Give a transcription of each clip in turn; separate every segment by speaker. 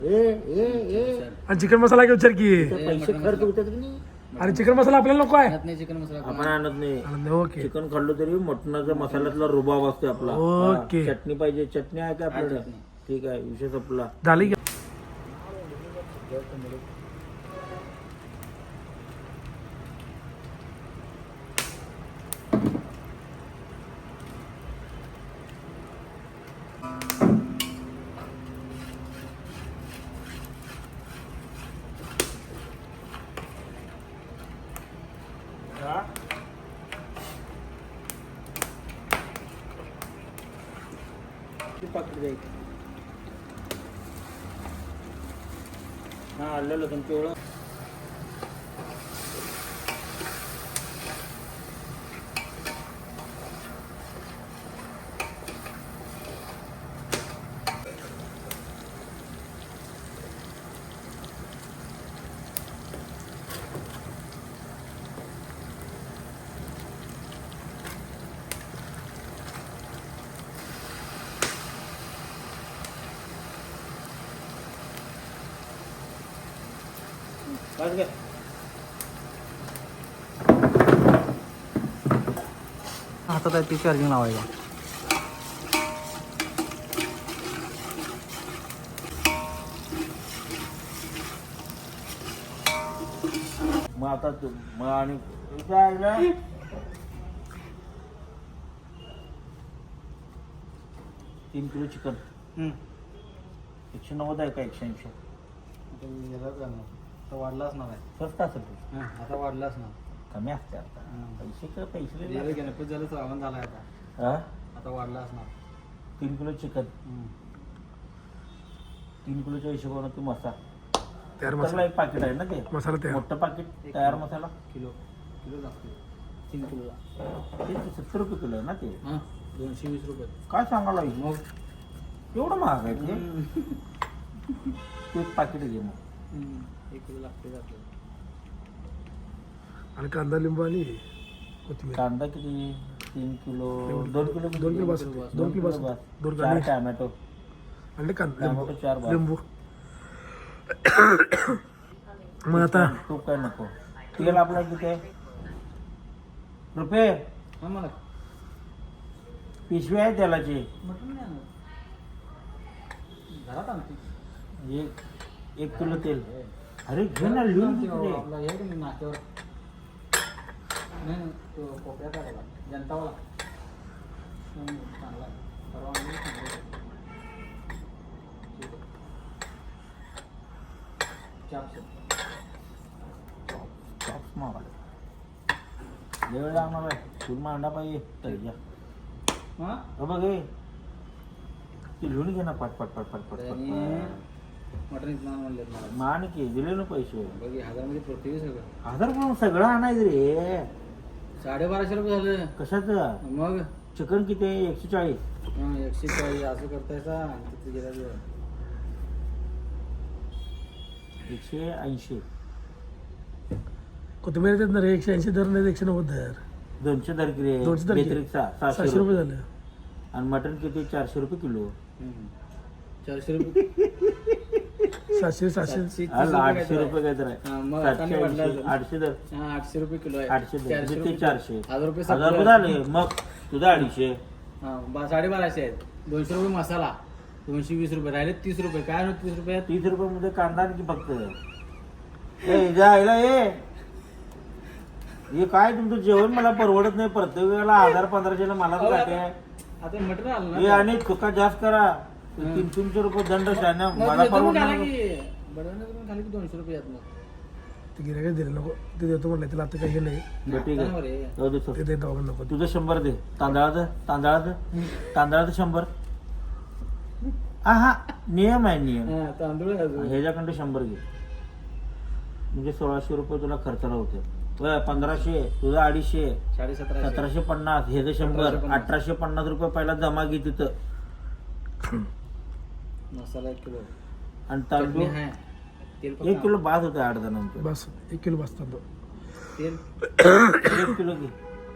Speaker 1: आणि चिकन मसाला काय विचार की
Speaker 2: पैसे खर्च होतात की नाही
Speaker 1: अरे चिकन मसाला आपल्याला नको आहे
Speaker 3: नाही चिकन मसाला
Speaker 2: आपण आणत नाही
Speaker 1: ओके
Speaker 2: चिकन खाल्लं तरी मटणाचा मसाल्यातला रुबाब असतो आपला
Speaker 1: ओके.
Speaker 2: हा, चटणी पाहिजे चटणी आहे का आपल्याकडे ठीक आहे विषय संपला
Speaker 1: झाली की
Speaker 2: पाकिट द्यायचं हा आलं लसूण पिवळं बस काय
Speaker 3: आता काय ती चार्जिंग लावायला
Speaker 2: मग आता मग आणि काय आहे ना? 3 किलो चिकन 190 आहे का 180
Speaker 3: आता वाढलाच ना
Speaker 2: स्वस्त असेल ते.
Speaker 3: आता वाढलाच ना
Speaker 2: कमी असते आता पैसे का पैसे
Speaker 3: गणपती झालं श्रावण झाला आता
Speaker 2: हा
Speaker 3: आता वाढलाच ना
Speaker 2: 3 किलो चिकन 3 किलोच्या हिशोबाने तू मसाला
Speaker 1: तयार
Speaker 2: त्याला
Speaker 1: मसाला
Speaker 2: एक पाकिट आहे ना ते
Speaker 1: मसाला तयार
Speaker 2: मोठं पाकिट तयार मसाला
Speaker 3: किलो लागते 3 किलोला
Speaker 2: ते 70 रुपये किलो आहे ना ते
Speaker 3: 220 रुपये
Speaker 2: काय सांगायला मग एवढं महाग आहे ते तू एक पाकिट घे मग
Speaker 3: 1 किलो लागते आपल्याला
Speaker 1: आणि कांदा लिंबू आणि कोथिंबीर
Speaker 2: कांदा किती 3 किलो 2 किलो
Speaker 1: 2 किलो बस 2 किलो बस 2
Speaker 2: चार
Speaker 1: किलो
Speaker 2: टॅमॅटो
Speaker 1: आणि कांदा
Speaker 2: टॅमॅटो 4 बार
Speaker 1: लिंबू मग आता
Speaker 2: तूप काय नको तेल आपला किती आहे रुपये
Speaker 3: हा मला
Speaker 2: पिशवी आहे तेलाची
Speaker 3: मटण नाही आणत घरात आणते
Speaker 2: 1 किलो तेल अरे घे ना लिहून घे तिकडे.
Speaker 3: आपला हे की नाही नाक्यावर नाही तो कोपऱ्यात आहे बघा जनतावाला चांगला आहे. परवा आणली चांगला आहे. चाप्स
Speaker 2: चॉप्स मागायला वेळ लागणार आहे तूर मांडा पाहिजे तरी या
Speaker 3: हां
Speaker 2: हो बघ हे ते लिहून घे ना पट पट पट पट पट
Speaker 3: आणि
Speaker 2: पट
Speaker 3: मटण इथं म्हणले मला
Speaker 2: मान की दिले ना पैसे
Speaker 3: बघ 1000 मध्ये पडते सगळं
Speaker 2: 1000 पण सगळं आणायचं रे
Speaker 3: 1250 रुपये झालं
Speaker 2: कशाचं
Speaker 3: मग
Speaker 2: चिकन किती आहे 140
Speaker 3: 140 असं करतायचा तिथे गेला
Speaker 2: 180
Speaker 1: कोथिंबीर देत ना रे 180 दर नाही 190 दर
Speaker 2: 200 दर किती
Speaker 1: 200 दर किती?
Speaker 2: बेत्रिक
Speaker 1: 700 रुपये झालं
Speaker 2: आणि मटन किती 400 रुपये किलो
Speaker 3: 400 रुपये
Speaker 1: 700
Speaker 2: 800 रुपये काय तर आहे
Speaker 3: मग
Speaker 2: 780 800 दर
Speaker 3: 800 रुपये किलो आहे
Speaker 2: 800 दर ते 400
Speaker 3: 1000 रुपये
Speaker 2: 1000 रुपये झाले मग तुझा 250
Speaker 3: 1250 आहेत 200 रुपये मसाला 220 रुपये राहिले 30 रुपये काय होत 30 रुपयात
Speaker 2: 30 रुपये मध्ये कांदा आणखी फक्त ए जायला हे काय तुमचं जेवण मला परवडत नाही प्रत्येक वेळेला 1000-1500 मला जाते
Speaker 3: आता मटण आलं
Speaker 2: हे
Speaker 3: ना
Speaker 2: आणि चुका जास्त करा 300 रुपये दंड शाना मला परवडत नाही
Speaker 3: बडवण्याचं खाली 200 रुपये येत मग
Speaker 1: ते गिरायक दिलं नको ते देतो म्हणलं त्याला आता काही नाही
Speaker 2: बरं, ठीक आहे
Speaker 3: रे
Speaker 2: जाऊ दे सोड.
Speaker 1: ते देत नको
Speaker 2: तुझं 100 दे तांदळाचं 100 हा नियम आहे नियम
Speaker 3: तांदूळ आहे अजून.
Speaker 2: ह्याच्याकडे 100 घे म्हणजे 1600 रुपये तुला खर्चाला होते 1500 तुझं 250
Speaker 3: 1750
Speaker 2: 1750 हे 100 1850 रुपये पहिला जमा घे तिथं
Speaker 3: मसाला 1 किलो
Speaker 2: आणि तांदूळ
Speaker 3: आहे तेल
Speaker 2: 1 किलो बाद होतं 8 जणांचं
Speaker 1: बस 1 किलो बस तांदूळ
Speaker 3: तेल
Speaker 2: 1 किलो घे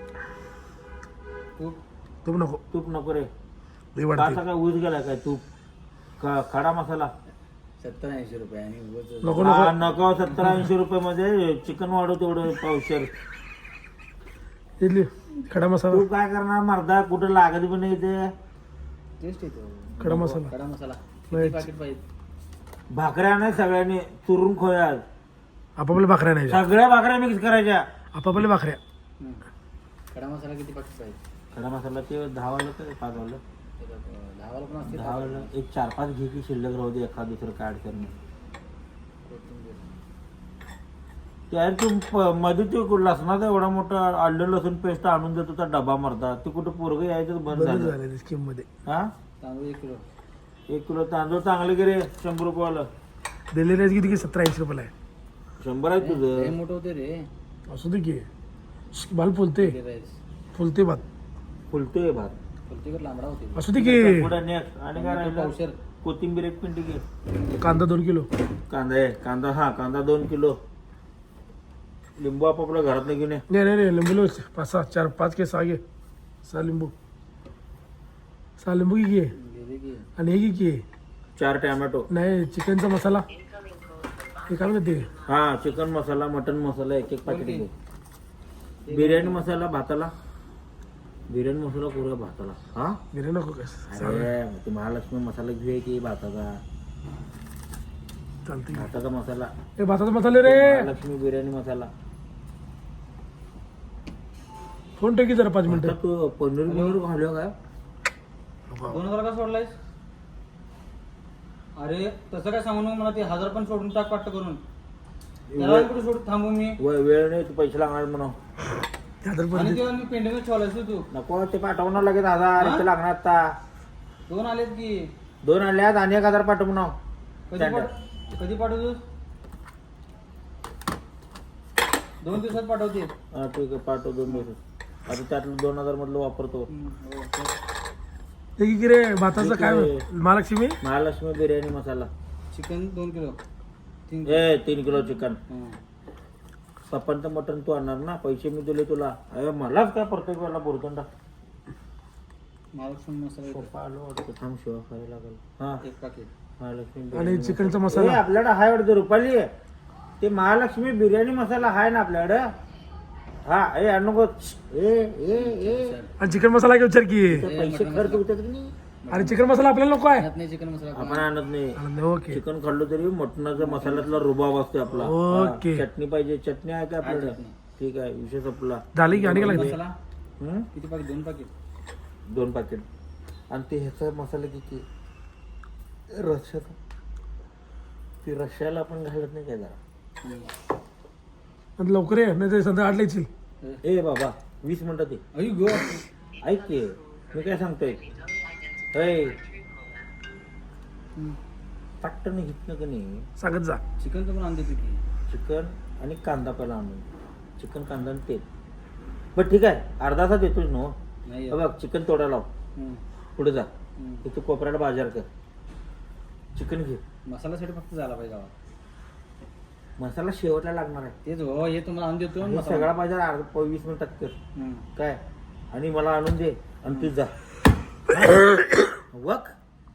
Speaker 3: तूप
Speaker 1: तूप नको
Speaker 2: तूप नको रे
Speaker 1: लई वाढते
Speaker 2: काय ऊस गेला काय तूप खडा मसाला
Speaker 3: 70-80 रुपये आणि उगाच
Speaker 1: नको
Speaker 2: हा,
Speaker 1: नको
Speaker 2: नको 70-80 रुपये मध्ये चिकन वाढव तेवढं पावशेर.
Speaker 1: इडली खडा मसाला
Speaker 2: तू काय करणार मर्दा, कुठं लागत पण नाही ते.
Speaker 3: टेस्ट येतो.
Speaker 1: खडा मसाला
Speaker 3: खडा मसाला
Speaker 1: Right.
Speaker 3: पाकिट पाहिजे.
Speaker 2: भाकऱ्या नाही सगळ्यांनी चुरून खोया.
Speaker 1: आपापल्या भाकऱ्या नाही
Speaker 2: सगळ्या भाकऱ्या मिक्स करायच्या.
Speaker 1: आपापल्या भाकऱ्या
Speaker 3: हं. खडा मसाला किती पाकिट पाहिजे?
Speaker 2: खडा मसाला ते 10 वाला तर 5 वाला.
Speaker 3: 10 वाला पण असते.
Speaker 2: 10 वाला एक 4-5 घे की शिल्लक राहू दे, एखाद दुसरं काय अडचण नाही.
Speaker 3: कोथिंबीर.
Speaker 2: त्यार तू मध्ये ते लसणाचा एवढा मोठा आलं लसूण पेस्ट आणून देतो त्या डबा मरता, ते कुठं पोरग यायचं बंद
Speaker 1: बदल
Speaker 2: झालं.
Speaker 1: झाले स्कीम मध्ये.
Speaker 2: हा,
Speaker 3: तांदूळ 1 किलो.
Speaker 2: 1 किलो तांदूळ चांगले गे रे, 100 रुपयाला.
Speaker 1: दिल्ली राईस किती 70-80 रुपयाला आहे.
Speaker 2: 100 आहे
Speaker 3: हे
Speaker 2: तुझं.
Speaker 3: मोठं होते रे
Speaker 1: असू दे की बाल फुलते
Speaker 3: राईस.
Speaker 1: फुलते भात
Speaker 2: फुलतोय भात.
Speaker 3: प्रत्येक लांबडा होते.
Speaker 1: असू दे की.
Speaker 2: पुढे next. आणि काय राहिलं?
Speaker 3: पावशेर.
Speaker 2: कोथिंबीर 1 पिंडी घे.
Speaker 1: कांदा 2 किलो.
Speaker 2: कांदा आहे, कांदा हा कांदा 2 किलो. लिंबू आपापल्या घरात घेऊन ये.
Speaker 1: नाही लिंबू 5 के 6 घे. 6 लिंबू 6 लिंबू घे
Speaker 3: गेले की
Speaker 1: आणि हे घे की
Speaker 2: 4 टॅमॅटो.
Speaker 1: नाही चिकनचा मसाला हे काय म्हणते
Speaker 2: हा, चिकन मसाला, मटन मसाला 1-1 पाकिट घे. बिर्याणी मसाला भाताला. बिर्याणी मसाला पुरा भाताला. हा,
Speaker 1: बिर्याणी नको काय
Speaker 2: अरे ते महालक्ष्मी मसाला घेऊया की भाताचा.
Speaker 1: चालते
Speaker 2: भाताचा मसाला,
Speaker 1: हे भाताचा मसाले रे.
Speaker 2: महालक्ष्मी बिर्याणी मसाला.
Speaker 1: फोन ठेव की जरा 5
Speaker 2: आता
Speaker 1: मिनिटं.
Speaker 2: तू पनीर घालूया काय?
Speaker 3: 2000 का सोडलायस? अरे तसं काय सांगू नको मला, ते 1000 पण सोडून टाक पाट्ट करून. त्याला कुठे सोड थांबू मी?
Speaker 2: वेळ नाही, तू पैसे लागणार म्हणून.
Speaker 3: आणि तेव्हा मी पेंडिंग ठेवलायस तू.
Speaker 2: नको ते पाठवणार लगेच 1000. इथे लागणार आता
Speaker 3: 2 आलेत की.
Speaker 2: 2 आणल्यात आणि 1000 पाठव म्हणा.
Speaker 3: कधी पाठवतोस? 2 दिवसात पाठवते.
Speaker 2: हा ठीक आहे, पाठव 2 दिवस. आता त्यातलं 2000 मधलं वापरतो.
Speaker 1: ते की रे भाताचं काय Mahalaxmi
Speaker 2: Mahalaxmi biryani masala.
Speaker 3: Chicken 2 kilo.
Speaker 2: 3 kilo chicken. पप्पांचं मटण तू आणणार ना, पैसे मी दिले तुला. अरे मलाच काय प्रत्येक वेळेला बोलतोंडा.
Speaker 3: महालक्ष्मी मसाला येतो.
Speaker 2: पप्पा आलो वाटतं, थांब शिवा खायला लागल. हा,
Speaker 3: 1 पाकिट.
Speaker 2: महालक्ष्मी
Speaker 1: आणि
Speaker 2: बिर्याणी
Speaker 1: चिकनचा
Speaker 2: मसाला.
Speaker 1: मसाला
Speaker 2: ए, आपल्याकडे हाय वाटतं रुपाली. ते महालक्ष्मी बिर्याणी मसाला हाय ना आपल्याकडं. हा, ए आणू नको. ए
Speaker 1: आणि चिकन मसाला काय विचार की.
Speaker 2: ते पैसे खर्च होतात की नाही.
Speaker 1: आणि चिकन मसाला आपल्याला नको आहे.
Speaker 3: आणत नाही चिकन मसाला.
Speaker 2: आपण आणत नाही.
Speaker 1: ओके
Speaker 2: चिकन खाल्लं तरी मटणाचा मसाल्यातला रुबाब असतो आपला.
Speaker 1: ओके.
Speaker 2: हा, चटणी पाहिजे. चटणी आहे का आपल्याकडे?
Speaker 3: चटणी.
Speaker 2: ठीक आहे, विषय संपला.
Speaker 1: झाली की आणि काय लागते.
Speaker 3: मसाला
Speaker 2: हं?
Speaker 3: किती पाकिट? 2 पाकिट.
Speaker 2: 2 पाकिट. आणि ते ह्याचा मसाला किती? रश्याचा. ते रश्याला आपण घालत नाही काय जरा?
Speaker 1: आणि लवकर ये नाही तर संध्याकाळला येशील.
Speaker 2: ए बाबा 20 मिनिटात ये.
Speaker 3: अय गो.
Speaker 2: ऐक की, मी काय सांगतोय. ऐ पट्टन घेतलं का नाही
Speaker 1: सांगत जा.
Speaker 3: चिकन तर पण आणते की.
Speaker 2: चिकन आणि कांदा पहिला आणून. चिकन, कांदा आणि तेल. बरं ठीक आहे, अर्धा तास येतोच ना.
Speaker 3: नाही
Speaker 2: बघ चिकन तोडा लाव. पुढे जा.
Speaker 3: हम्म.
Speaker 2: इथं कोपऱ्याला बाजार कर. चिकन घे.
Speaker 3: मसाल्यासाठी फक्त झाला पाहिजे गावात.
Speaker 2: मसाला शेवटला लागणार आहे.
Speaker 3: तेच हो, हे तुम्हाला आणून देतो.
Speaker 2: हे सगळा बाजार 20 मिनिटात कर.
Speaker 3: हम्म.
Speaker 2: काय आणि मला आणून दे आणि तू जा. वक